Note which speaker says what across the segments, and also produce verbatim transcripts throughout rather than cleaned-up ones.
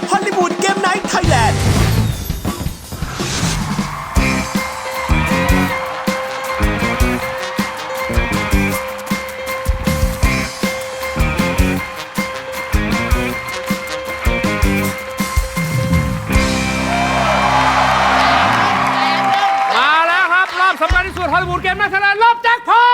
Speaker 1: ฮอลลีวูดเกมไนท์ไทยแลนด์
Speaker 2: มาแล้วครับรอบสำคัญที่สุดฮอลลีวูดเกมไนท์ไทยแลนด์รอบแจ็คพอต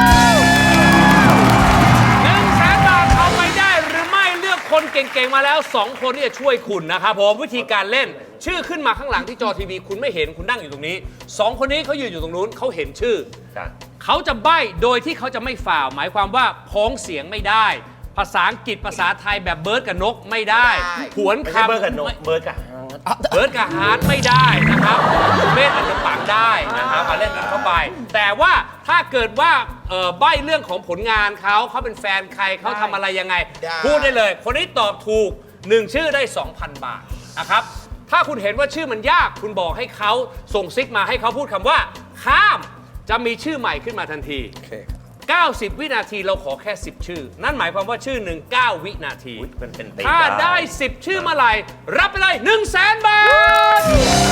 Speaker 2: หนึ่งแสนบาทเอาไปได้หรือไม่เลือกคนเก่งๆมาแล้วสองคนที่จะช่วยคุณนะครับผมวิธีการเล่นชื่อขึ้นมาข้างหลังที่จอทีวีคุณไม่เห็นคุณนั่งอยู่ตรงนี้สองคนนี้เขายืนอยู่ตรงนู้นเขาเห็นชื่อเขาจะใบ้โดยที่เขาจะไม่ฝ่าวหมายความว่าพ้องเสียงไม่ได้ภาษาอังกฤษภาษาไทยแบบเบิร์ดกับนกไม่ได้ผวนคำ
Speaker 3: เบิร์ดกับนกเบิร์ดกับ
Speaker 2: เบิร์ดกับฮาร์ดไม่ได้นะครับคุณเมธอาจจะปังได้นะครับมาเล่นกันเข้าไปแต่ว่าถ้าเกิดว่าเอ่อใบ้เรื่องของผลงานเขาเขาเป็นแฟนใครเขาทำอะไรยังไงพูดได้เลยคนนี้ตอบถูกหนึ่งชื่อได้ สองพัน บาทนะครับถ้าคุณเห็นว่าชื่อมันยากคุณบอกให้เขาส่งซิกมาให้เขาพูดคำว่าข้ามจะมีชื่อใหม่ขึ้นมาทันทีเก้าสิบ วินาทีเราขอแค่สิบชื่อนั่นหมายความว่าชื่อหนึ่งเก้าวินาทีถ้าได้สิบชื่อเมื่อไหร่รับไปเลย หนึ่งแสน บาท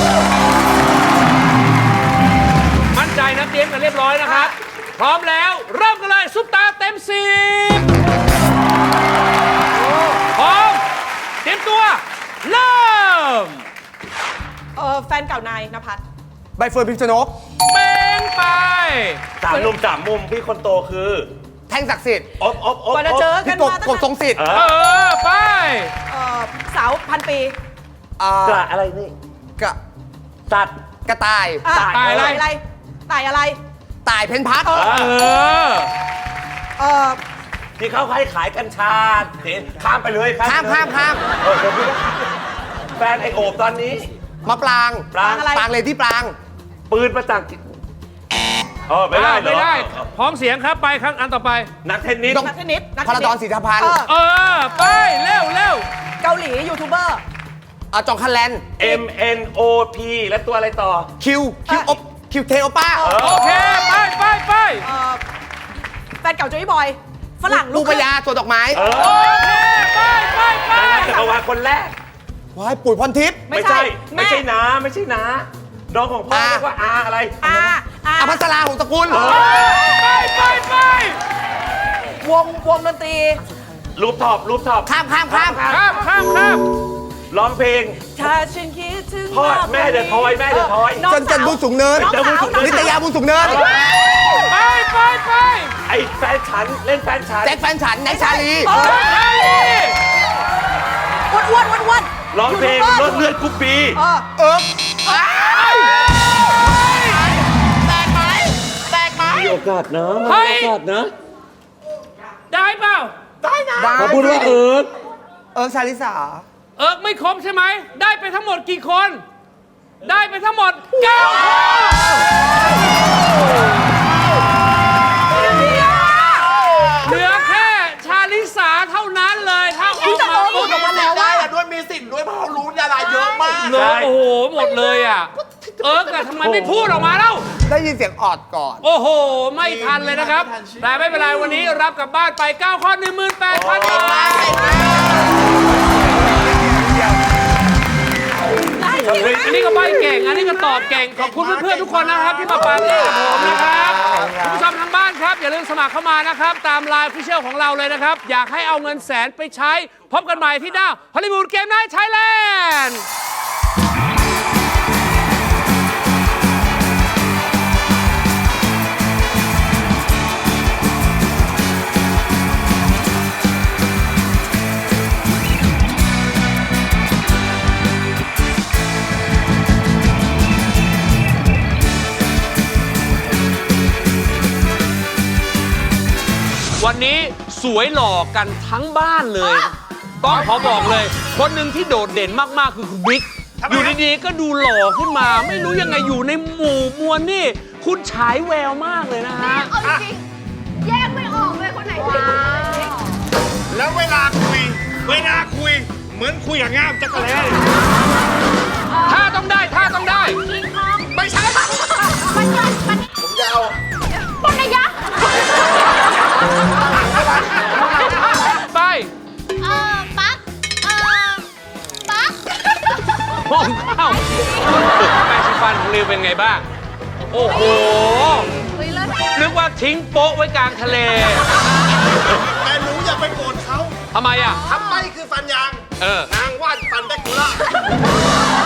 Speaker 2: มั่นใจนะเตรียมกันเรียบร้อยนะครับพร้อมแล้วเริ่มกันเลยซุปตาเต็มสิบพร้อมเตรียมตัวเริ่ม
Speaker 4: เออแฟนเก่านายนภัส
Speaker 5: ใบเฟิร์นพิมชนก
Speaker 2: เป็นไป
Speaker 3: สามมุมสามมุมพี่คนโตคือ
Speaker 5: แท่งศักดิ์สิทธิ์
Speaker 3: อบอบอบ
Speaker 4: กว่าจะเจอกั
Speaker 5: พี่
Speaker 4: น
Speaker 5: กบ
Speaker 4: มาตั้ง
Speaker 5: กบทรงสิทธิ์
Speaker 3: เอ
Speaker 2: เอ
Speaker 3: อ
Speaker 2: อไป
Speaker 4: เออสาวพันปี
Speaker 5: อ่าก
Speaker 3: ระอะไรนี่
Speaker 5: กระ
Speaker 3: สัตว์
Speaker 5: กระต่าย
Speaker 4: อ่ะ
Speaker 2: ตายอะไร
Speaker 4: อะไรตายอะไร
Speaker 5: ต่ายเพ้นพัก
Speaker 2: เออ
Speaker 4: เออ
Speaker 3: ที่เขาให้ขายกัญชาเห็นข้ามไปเลย
Speaker 5: ข้าม
Speaker 3: ไปเลย
Speaker 5: ข้ามข้าม
Speaker 3: เออเดี๋ยวพี่ก็แฟนไอโอบตอนนี้
Speaker 5: มะปราง
Speaker 3: ปราง
Speaker 5: ปรางเลยที่ปราง
Speaker 3: ปืนประจักษ์เออไม่ได้เหรอ
Speaker 2: ไม่ได้พร้อมเสียงครับไปครั้งอันต่อไป
Speaker 3: นักเทนนิส
Speaker 5: ต้อง
Speaker 4: นักเทนนิสนัก
Speaker 5: พ
Speaker 4: เท
Speaker 5: ล
Speaker 4: นนิ
Speaker 5: ด
Speaker 4: ส
Speaker 5: อนศรีธพันธ์
Speaker 4: เออ
Speaker 2: เออไปเร็วเร็ว
Speaker 4: เกาหลียูทูบเบอร์
Speaker 5: อ่าจองคันแลน
Speaker 3: เอ็มเอ็นโอพีและตัวอะไรต่อ
Speaker 5: คิวคิวอบคิวเทโอป้า
Speaker 2: โอเคไปไปไป
Speaker 4: เออแฟนเก่าโจยบอยฝรั่ง
Speaker 5: ลู
Speaker 4: ลู
Speaker 5: ก
Speaker 4: ก
Speaker 5: พญาสวนดอกไม้
Speaker 3: เออ
Speaker 2: โอเคไปไปไป
Speaker 3: ดาราจักรวาลคนแรก
Speaker 5: ว้ายปุ๋ยพรทิพย์
Speaker 3: ไม่ใช่ ไม่ใช่น้าไม่ใช่น้าน้องของพ่อ
Speaker 5: อา
Speaker 3: เรียกว่าอาอะไร
Speaker 4: อาอา
Speaker 5: อภัสราหงสกุล
Speaker 2: ไปไปไป
Speaker 4: วงวงดนตรี
Speaker 3: รูปท็อปรูปท็อป
Speaker 5: ข้ามข้ามข้าม
Speaker 2: ข้ามข้ามข้าม
Speaker 3: ร้องเพลง
Speaker 4: ถ้าฉันคิดถึง
Speaker 3: ทอดแม่เดอะทอยแม่เดอะทอย
Speaker 4: น้อง
Speaker 5: จนจันทร์บุญสูงเนิน
Speaker 4: น้องสาวน้อง
Speaker 5: นิต
Speaker 4: สาวย
Speaker 5: าบุญสูงเนิน
Speaker 2: ไปไปไป
Speaker 3: ไอ้แฟนฉันเล่นแฟนฉัน
Speaker 5: แจ็คแฟนฉันแน็กชาลี
Speaker 4: เอออ้วนอ้วนอ้วนอ้วน
Speaker 3: ร้องเพลงรถเลือดกุ๊ปปี
Speaker 4: เออ
Speaker 5: เอิร์ก
Speaker 3: มีโอกาสนะ
Speaker 2: เฮ้ย
Speaker 3: มีโอกาสนะ
Speaker 2: ได้เปล่า
Speaker 5: ได้
Speaker 3: เขาพูดว่าเออ
Speaker 5: เอิร์กชาลิสา
Speaker 2: เอิร์กไม่ครบใช่ไหมได้ไปทั้งหมดกี่คน ได้ไปทั้งหมดเก้าคนเหลือแค่ชาลิสาเท่านั้นเลยถ้าออกมา
Speaker 4: พูดออกมาแล้วว่า
Speaker 6: ด้วยมีสิทธิ์ด้วยเพราะเขารู้ดาราเยอะมาก
Speaker 2: เหลือโอ้โหหมดเลยอ่ะเอิร์กอะทำไมไม่พูดออกมาเล่า
Speaker 5: ได้ยินเสียงออดก่อน
Speaker 2: โอ้โห ไม่ทันเลยนะครับ แต่ไม่เป็นไรวันนี้รับกลับบ้านไป เก้า ข้อ หนึ่งหมื่นแปดพัน บาทอันนี้ก็ใบเก่ง อันนี้ก็ตอบเก่ง ขอบคุณเพื่อนๆทุกคนนะครับ ที่มาปาร์ตี้กับผมนะครับคุณผู้ชมทางบ้านครับ อย่าลืมสมัครเข้ามานะครับ ตามไลน์พิเชียลของเราเลยนะครับ อยากให้เอาเงินแสนไปใช้ พบกันใหม่ที่หน้าฮอลลีวูดเกมไนท์ไทยแลนด์วันนี้สวยหล่อกันทั้งบ้านเลย ต้องขอบอกเลย คนหนึ่งที่โดดเด่นมากๆคือคุณบิ๊ก อยู่ดีๆก็ดูหล่อขึ้นมา ไม่รู้ยังไงอยู่ในหมู่มวลนี่ คุณฉายแววมากเลยนะฮะ
Speaker 7: เอาจริงๆแยกไม่ออกเลยคนไหนเป็นคนไหน
Speaker 6: แล้วเวลาคุย เวลาคุย เหมือนคุยกับง่ามจักรแล้
Speaker 2: ถ้าต้องได้ถ้าต้องได้
Speaker 7: คิงคอง
Speaker 6: ไม่ใช่ปะ
Speaker 7: มันยันมัน
Speaker 6: ผมจะเอา
Speaker 7: ปนยักษ์
Speaker 2: ไป
Speaker 7: เออปั๊กเออปั๊ก
Speaker 2: มองเข้าแปรงสีฟันของริวเป็นไงบ้าง โอ้โห
Speaker 7: เฮ้ยเลิศ
Speaker 2: นึกว่าทิ้งโป๊ะไว้กลางทะเล
Speaker 6: แต่หนูอย่าไปโกรธเขา
Speaker 2: ทำไมอ่ะ
Speaker 6: ทำไมคือฟันยาง
Speaker 2: เออ
Speaker 6: นางวาดฟันแดกคูล่า